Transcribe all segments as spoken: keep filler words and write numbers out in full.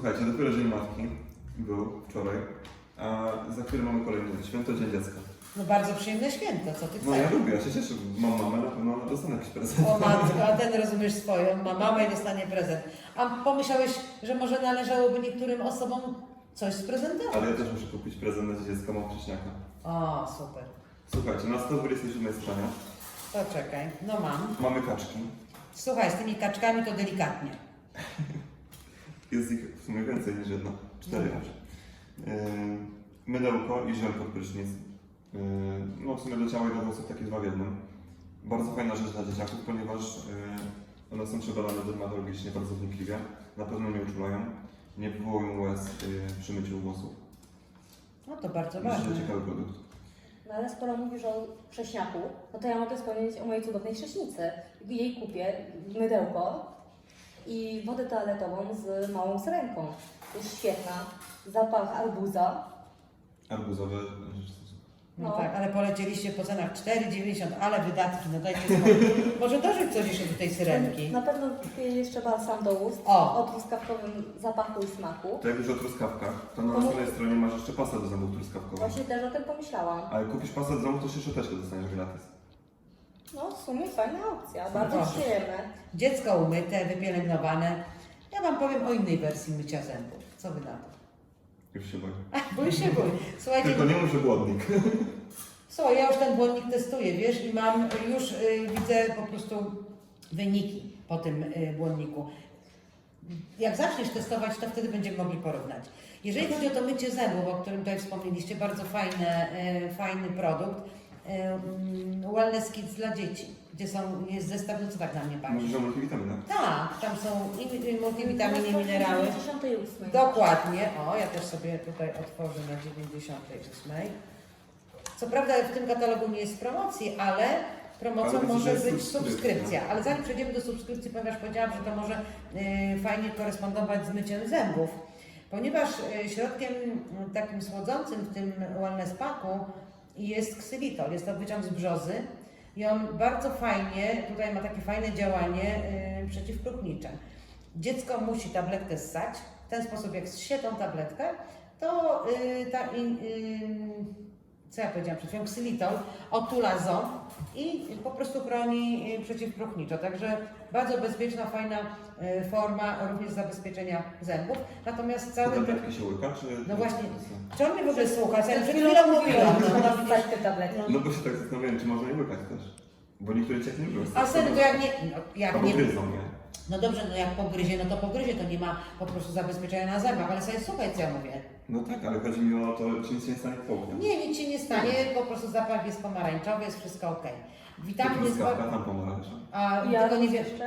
Słuchajcie, dopiero Dzień Matki był wczoraj, a za chwilę mamy kolejny święto, Dzień Dziecka. No bardzo przyjemne święto, co ty chcesz? No ja lubię, ja się cieszę, mam mamę, na pewno dostanę jakiś prezent. O matko, a ten rozumiesz swoją, ma mamę i dostanie prezent. A pomyślałeś, że może należałoby niektórym osobom coś sprezentować? Ale ja też muszę kupić prezent na Dzień Dziecka, mam wcześniaka. O, super. Słuchajcie, na sto dwudziestej siódmej stronie To czekaj, no mam. mamy kaczki. Słuchaj, z tymi kaczkami to delikatnie. Jest ich w sumie więcej niż jedna, cztery aż. Yy, mydełko i żel pod prysznic. Yy, no w sumie do ciała i do włosów takie dwa w jednym. Bardzo fajna rzecz dla dzieciaków, ponieważ yy, one są przebadane dermatologicznie bardzo wnikliwie. Na pewno nie uczulają, nie wywołują łez yy, przy myciu włosów. No to bardzo Myślę, ważne. że ciekawy produkt. No ale skoro mówisz o chrześniaku, no to ja mogę wspomnieć o mojej cudownej chrześnicy. Jej kupię mydełko i wodę toaletową z małą syrenką. Jest świetna. Zapach arbuza. Arbuzowe rzeczy. No, No. tak, ale polecieliście po cenach cztery dziewięćdziesiąt, ale wydatki, no dajcie spokój. Może dorzuć coś jeszcze do tej syrenki. Na pewno kupię jeszcze balsam do ust O. o truskawkowym zapachu i smaku. To jak już o truskawkach, to na następnej stronie masz jeszcze pasę do zębów truskawkową. Właśnie też o tym pomyślałam. A jak kupisz pasę do zębów, to jeszcze szczoteczkę dostaniesz gratis. No w sumie fajna opcja, bardzo Proszę. przyjemne. Dziecko umyte, wypielęgnowane. Ja wam powiem o innej wersji mycia zębów. Co wy na to? Już się boję. Bój się, bój. Słuchajcie, Tylko nie mów, że głodnik. słuchaj, ja już ten błonnik testuję, wiesz, i mam, już y, widzę po prostu wyniki po tym y, błonniku. Jak zaczniesz testować, to wtedy będziemy mogli porównać. Jeżeli chodzi o to mycie zębów, o którym tutaj wspomnieliście, bardzo fajne, y, fajny produkt. Y, mm, Wellness Kids dla dzieci, gdzie są, jest zestaw, no co tak na mnie patrzy? Mówisz o multivitaminach? Tak, tam są i, i multivitaminy, i minerały. dziewięćdziesiątej ósmej. Dokładnie. O, ja też sobie tutaj otworzę na dziewięćdziesiątej ósmej. Co prawda w tym katalogu nie jest promocji, ale promocją Ale może jest być subskrypcja. subskrypcja. Ale zanim przejdziemy do subskrypcji, ponieważ powiedziałam, że to może y, fajnie korespondować z myciem zębów. Ponieważ y, środkiem y, takim słodzącym w tym wellness packu jest ksylitol. Jest to wyciąg z brzozy i on bardzo fajnie, tutaj ma takie fajne działanie y, przeciwpróchnicze. Dziecko musi tabletkę ssać. W ten sposób, jak zsie tą tabletkę, to y, ta, in, y, co ja powiedziałam przed chwilą, ksylitol otula ząb i po prostu chroni y, przeciwpróchniczo. Także bardzo bezpieczna, fajna y, forma również zabezpieczenia zębów. Natomiast Te cały... tabletki się łyka, czy... No właśnie, czy on mnie w ogóle słucha? Ja Przed przed chwilą chwilą mówiłam, mówiłam. że No, można wstać te tabletki. No bo się tak zastanawiałem, czy można je łykać też. Bo niektóre ciach nie lubią. A wtedy to jak nie... No, jak Albo nie gryzą je. no dobrze, no jak pogryzie, no to pogryzie, to nie ma po prostu zabezpieczenia na zębach, ale sobie słuchaj, co ja mówię. No tak, ale chodzi mi o to, czy nic się nie stanie w południu. Nie, nic się nie stanie, po prostu zapach jest pomarańczowy, jest wszystko ok. Witaminy jest... Truskawka tam pomarańcza. A Ja tylko nie, wie... jeszcze?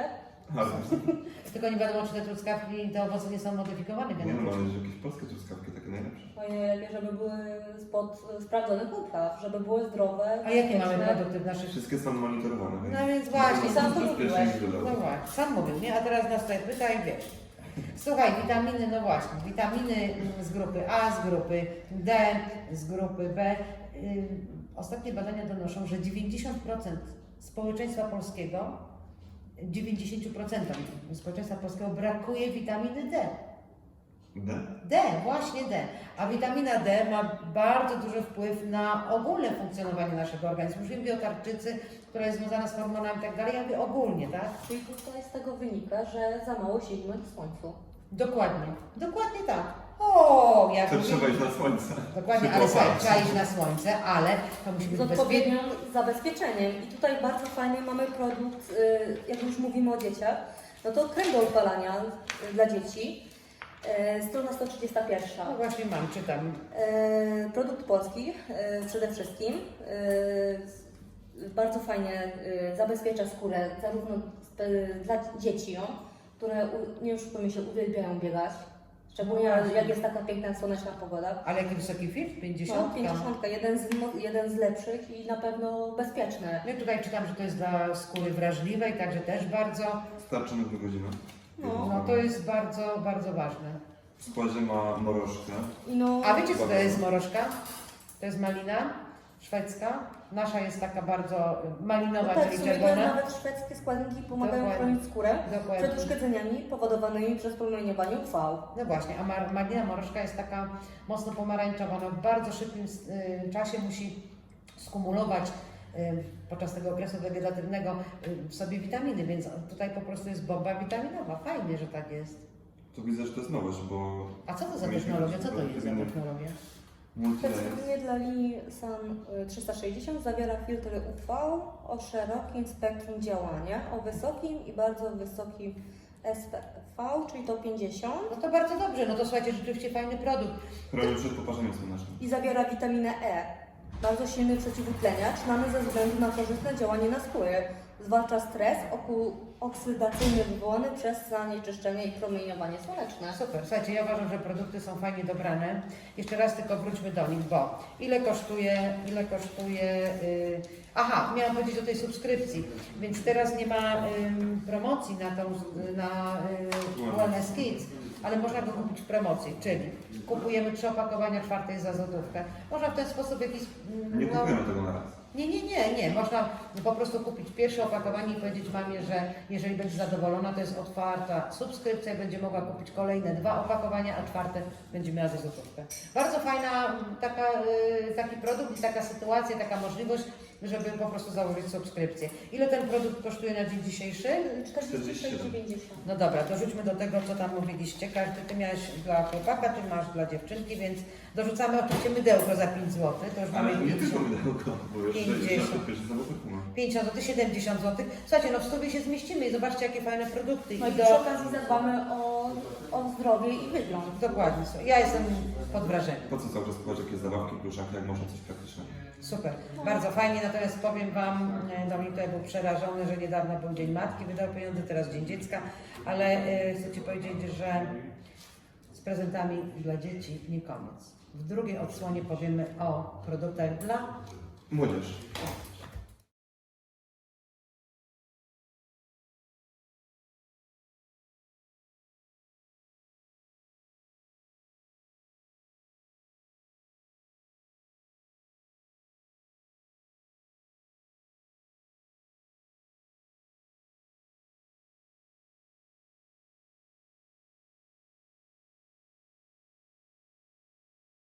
tylko nie wiadomo, czy te truskawki i te owoce nie są modyfikowane Nie no, genetycznie. ale że jakieś polskie truskawki takie najlepsze. Ojej, żeby były spod sprawdzonych upraw, żeby były zdrowe. A jakie mamy bezpieczne. produkty w naszych... Wszystkie są monitorowane, więc... No więc właśnie, sam to bezpiecznie mówiłeś. niż dodatek. No właśnie, sam mówił, nie? A teraz nas tutaj pyta i wiesz. Słuchaj, witaminy, no właśnie, witaminy mm, z grupy A, z grupy D, z grupy B. Ym, Ostatnie badania donoszą, że dziewięćdziesiąt procent społeczeństwa polskiego, dziewięćdziesiąt procent społeczeństwa polskiego brakuje witaminy D. D? D, właśnie D. A witamina D ma bardzo duży wpływ na ogólne funkcjonowanie naszego organizmu. Już nie mówię o tarczycy, która jest związana z hormonami i tak dalej, ja mówię ogólnie, tak? Czyli tutaj z tego wynika, że za mało siedzimy w słońcu. Dokładnie, dokładnie tak. O, jak To mówię- trzeba iść na słońce. Dokładnie, Się ale słuchaj, popatrz. trzeba iść na słońce, ale to musi być Z bezpieczne. odpowiednim zabezpieczeniem. I tutaj bardzo fajnie mamy produkt, y, jak już mówimy o dzieciach, no to krem do odpalania y, dla dzieci. Y, Strona sto trzydzieści jeden. No właśnie mam, czytam. E, Produkt polski e, przede wszystkim. E, Bardzo fajnie e, zabezpiecza skórę zarówno e, dla dzieci, ją, które u- nie oszukujmy się, uwielbiają biegać. Szczególnie No właśnie. jak jest taka piękna słoneczna pogoda. Ale jaki wysoki filtr? No, pięćdziesiąt? pięćdziesiątka, jeden z, mo- jeden z lepszych i na pewno bezpieczny. Ja tutaj czytam, że to jest dla skóry wrażliwej, także też bardzo, Starczy na dwie godziny. No. no to jest bardzo, bardzo ważne. W składzie ma morożkę. I no, A wiecie co to jest morożka? To jest malina szwedzka. Nasza jest taka bardzo malinowa, No tak, w czyli sumie to jest czerwona. nawet szwedzkie składniki pomagają Dokładnie. chronić skórę Dokładnie. przed uszkodzeniami powodowanymi przez promieniowanie U V. No właśnie, a mar- malina morożka jest taka mocno pomarańczowa. Ona w bardzo szybkim y, czasie musi skumulować y, podczas tego okresu wegetatywnego y, w sobie witaminy, więc tutaj po prostu jest bomba witaminowa. Fajnie, że tak jest. To widzę, że to jest nowość, bo A co to za Mieliśmy technologia? Co to tylko jest za inny- technologia? multilayer. Specyficznie dla linii Sun y, trzysta sześćdziesiąt zawiera filtry U V o szerokim spektrum działania, o wysokim i bardzo wysokim S P V, czyli to pięćdziesiąt, No to bardzo dobrze, no to słuchajcie, rzeczywiście fajny produkt. Chroni przed poparzeniem słonecznym. i zawiera witaminę E, bardzo silny przeciwutleniacz, znany ze względu na korzystne działanie na skórę. Zwalcza stres oku- oksydacyjny wywołany przez zanieczyszczenie i promieniowanie słoneczne. Super, słuchajcie, ja uważam, że produkty są fajnie dobrane. Jeszcze raz tylko wróćmy do nich, bo ile kosztuje, ile kosztuje... Yy... Aha, miałam powiedzieć o tej subskrypcji, więc teraz nie ma ym, promocji na tą, na yy, Wellness Kids, ale można go kupić w promocji, czyli kupujemy trzy opakowania, czwarte jest za złotówkę. Można w ten sposób jakiś... ym, Nie no, kupujemy tego na raz. Nie, nie, nie, nie. Można po prostu kupić pierwsze opakowanie i powiedzieć mamie, że jeżeli będzie zadowolona, to jest otwarta subskrypcja i będzie mogła kupić kolejne dwa opakowania, a czwarte będzie miała za złotówkę. Bardzo fajna m, taka, y, taki produkt i taka sytuacja, taka możliwość, żeby po prostu założyć subskrypcję. Ile ten produkt kosztuje na dzień dzisiejszy? czterdzieści sześć dziewięćdziesiąt. No dobra, dorzućmy do tego, co tam mówiliście. Każdy, ty miałeś dla chłopaka, ty masz dla dziewczynki, więc dorzucamy oczywiście mydełko za pięć złotych. To już mamy Ale nie pięćdziesiąt. tylko mydełko, bo już pięćdziesiąt. sześćdziesiąt pierwszy zawodnik ma. pięćdziesiąt złotych, siedemdziesiąt złotych. Słuchajcie, no w stówie się zmieścimy i zobaczcie, jakie fajne produkty. No i I do... przy okazji zadbamy o, o zdrowie i wygląd. Dokładnie, słuchaj, ja jestem pod wrażeniem. Po co cały czas kupować jakieś zabawki, pluszaki, jak można coś praktycznego? Super, bardzo fajnie, natomiast powiem Wam, e, Dominik tutaj był przerażony, że niedawno był Dzień Matki, wydał pieniądze, teraz Dzień Dziecka, ale e, chcę Ci powiedzieć, że z prezentami dla dzieci nie koniec. W drugiej odsłonie powiemy o produktach dla Młodzież.